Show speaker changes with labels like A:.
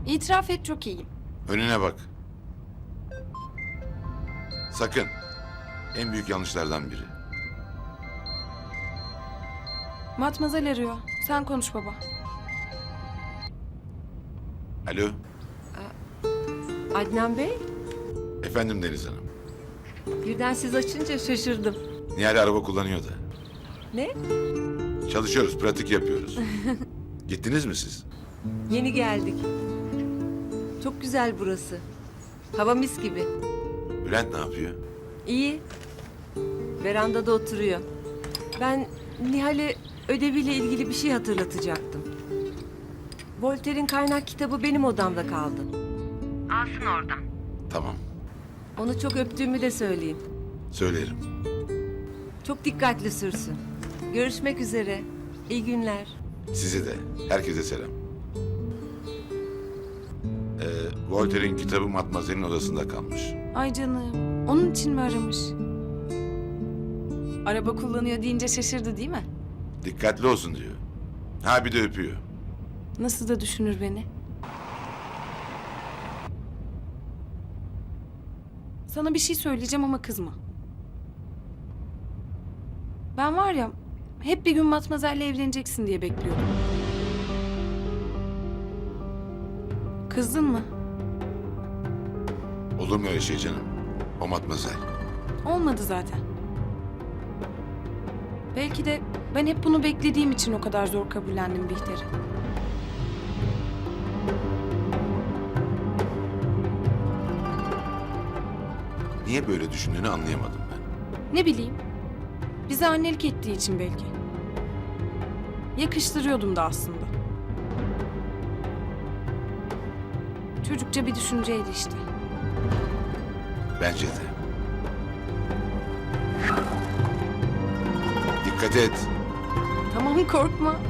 A: İtiraf et, çok iyiyim.
B: Önüne bak. Sakın. En büyük yanlışlardan biri.
A: Matmazel arıyor. Sen konuş baba.
B: Alo.
C: Adnan Bey,
B: Efendim Deniz Hanım.
C: birden siz açınca şaşırdım.
B: Nihal araba kullanıyor da.
C: Ne?
B: Çalışıyoruz, pratik yapıyoruz. Gittiniz mi siz?
C: Yeni geldik. Çok güzel burası. Hava mis gibi.
B: Bülent ne yapıyor?
C: İyi. Verandada oturuyor. Ben Nihal'e ödeviyle ilgili bir şey hatırlatacaktım. Voltaire'in kaynak kitabı benim odamda kaldı. Alsın oradan.
B: Tamam,
C: Onu çok öptüğümü de söyleyeyim.
B: söylerim.
C: Çok dikkatli sürsün. Görüşmek üzere. İyi günler.
B: Size de, herkese selam. Voltaire'in kitabı Matmazel'in odasında kalmış.
A: Ay canım, onun için mi aramış? Araba kullanıyor deyince şaşırdı değil mi?
B: Dikkatli olsun diyor. Ha bir de öpüyor.
A: Nasıl da düşünür beni. Sana bir şey söyleyeceğim ama kızma. Ben var ya, hep bir gün Matmazel'le evleneceksin diye bekliyordum. Kızdın mı?
B: Olur mu öyle şey canım? O Matmazel.
A: Olmadı zaten. Belki de ben hep bunu beklediğim için o kadar zor kabullendim Bihter'i.
B: Niye böyle düşündüğünü anlayamadım ben.
A: Ne bileyim, bize annelik ettiği için belki. Yakıştırıyordum da aslında. Çocukça bir düşünceydi işte.
B: Bence de. Dikkat et.
A: Tamam, korkma.